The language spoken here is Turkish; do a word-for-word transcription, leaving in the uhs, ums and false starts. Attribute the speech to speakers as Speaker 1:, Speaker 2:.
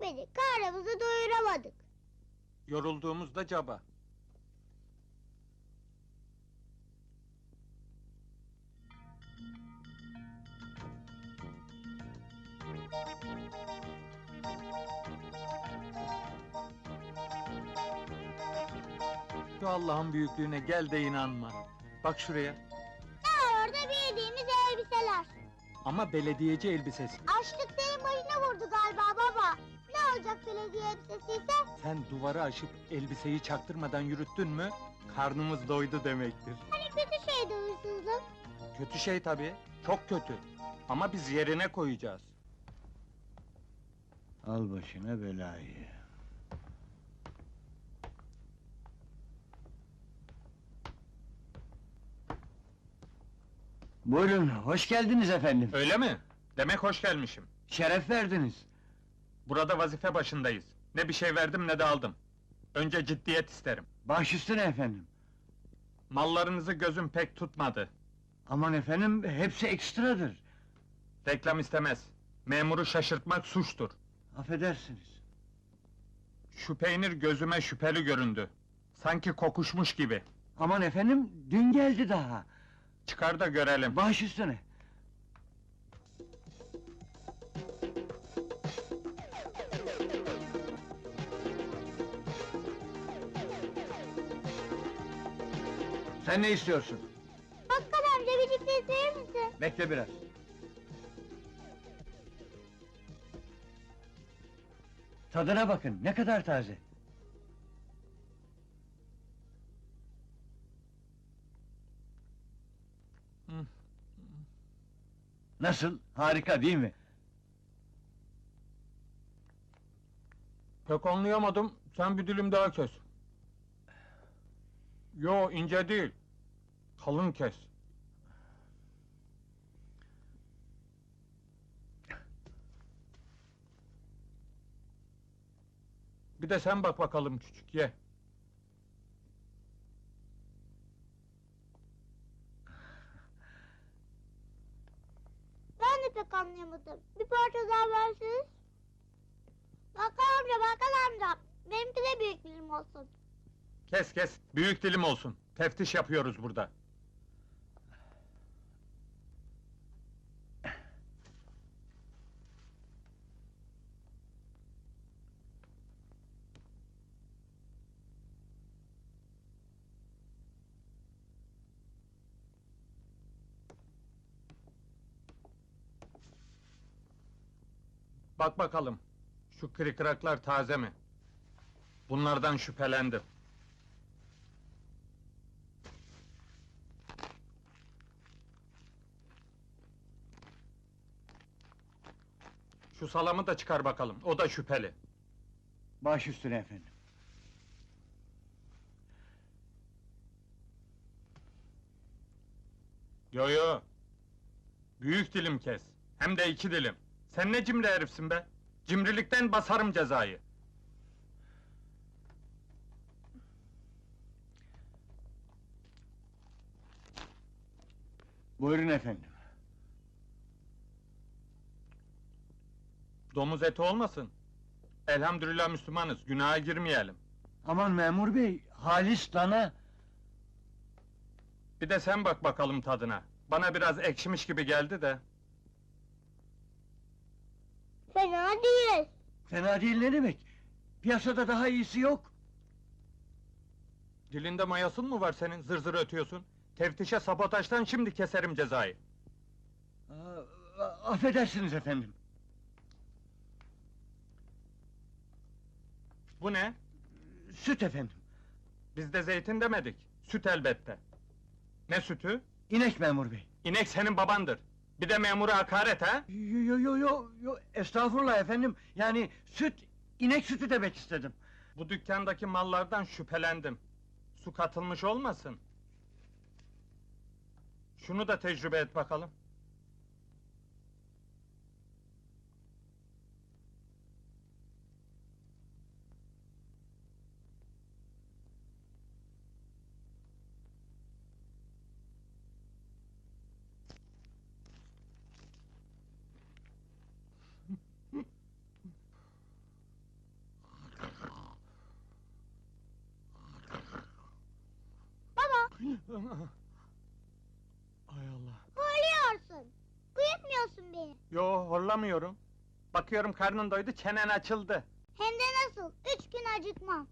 Speaker 1: yetmedi, karnımızı doyuramadık.
Speaker 2: Yorulduğumuzda caba. Şu Allah'ın büyüklüğüne gel de inanma. Bak şuraya.
Speaker 1: Ne var orada, bildiğimiz elbiseler.
Speaker 2: Ama belediyeci elbisesi.
Speaker 1: Açlık senin başına vurdu galiba baba. Ne olacak belediye elbisesiyse?
Speaker 2: Sen duvarı aşıp elbiseyi çaktırmadan yürüttün mü, karnımız doydu demektir.
Speaker 1: Hani kötü şeydi hırsızlık.
Speaker 2: Kötü şey tabii, çok kötü. Ama biz yerine koyacağız.
Speaker 3: Al başına belayı. Buyurun, hoş geldiniz efendim.
Speaker 2: Öyle mi? Demek hoş gelmişim.
Speaker 3: Şeref verdiniz.
Speaker 2: Burada vazife başındayız. Ne bir şey verdim ne de aldım. Önce ciddiyet isterim.
Speaker 3: Baş üstüne efendim.
Speaker 2: Mallarınızı gözüm pek tutmadı.
Speaker 3: Aman efendim, hepsi ekstradır.
Speaker 2: Reklam istemez. Memuru şaşırtmak suçtur.
Speaker 3: Affedersiniz.
Speaker 2: Şu peynir gözüme şüpheli göründü. Sanki kokuşmuş gibi.
Speaker 3: Aman efendim, dün geldi daha.
Speaker 2: Çıkar da görelim.
Speaker 3: Baş üstüne. Sen ne istiyorsun?
Speaker 1: Bakkal amca, bir çikolata verir misin?
Speaker 3: Bekle biraz. Tadına bakın, ne kadar taze.
Speaker 2: Hı.
Speaker 3: Nasıl? Harika değil mi?
Speaker 2: Pek anlayamadım. Sen bir dilim daha kes. Yo, ince değil. Kalın kes. Bir de sen bak bakalım küçük, ye.
Speaker 1: Ben de pek anlayamadım. Bir parça daha verseniz. Bakkal amca, bakkal amca. Benimki de büyük dilim olsun.
Speaker 2: Kes kes, büyük dilim olsun. Teftiş yapıyoruz burada. Bak bakalım, şu kırıklar taze mi? Bunlardan şüphelendim. Şu salamı da çıkar bakalım, o da şüpheli.
Speaker 3: Baş üstüne efendim.
Speaker 2: Yo yo! Büyük dilim kes, hem de iki dilim. Sen ne cimri herifsin be! Cimrilikten basarım cezayı.
Speaker 3: Buyurun efendim.
Speaker 2: Domuz eti olmasın. Elhamdülillah Müslümanız, günaha girmeyelim.
Speaker 3: Aman memur bey, halis dana.
Speaker 2: Bir de sen bak bakalım tadına. Bana biraz ekşimiş gibi geldi de.
Speaker 1: Fena değil.
Speaker 3: Fena değil ne demek? Piyasada daha iyisi yok.
Speaker 2: Dilinde mayasın mı var senin, zır zır ötüyorsun? Teftişe sabotajdan şimdi keserim cezayı.
Speaker 3: Aa, affedersiniz efendim.
Speaker 2: Bu ne?
Speaker 3: Süt efendim.
Speaker 2: Biz de zeytin demedik, süt elbette. Ne sütü?
Speaker 3: İnek memur bey.
Speaker 2: İnek senin babandır. Bir de memura hakaret ha?
Speaker 3: Yo yo yo yo yo, estağfurullah efendim. Yani süt, inek sütü demek istedim.
Speaker 2: Bu dükkandaki mallardan şüphelendim. Su katılmış olmasın? Şunu da tecrübe et bakalım. Ay Allah.
Speaker 1: Horluyorsun. Uyutmuyorsun beni.
Speaker 2: Yo, horlamıyorum. Bakıyorum karnın doydu, çenen açıldı.
Speaker 1: Hem de nasıl? Üç gün acıkmam.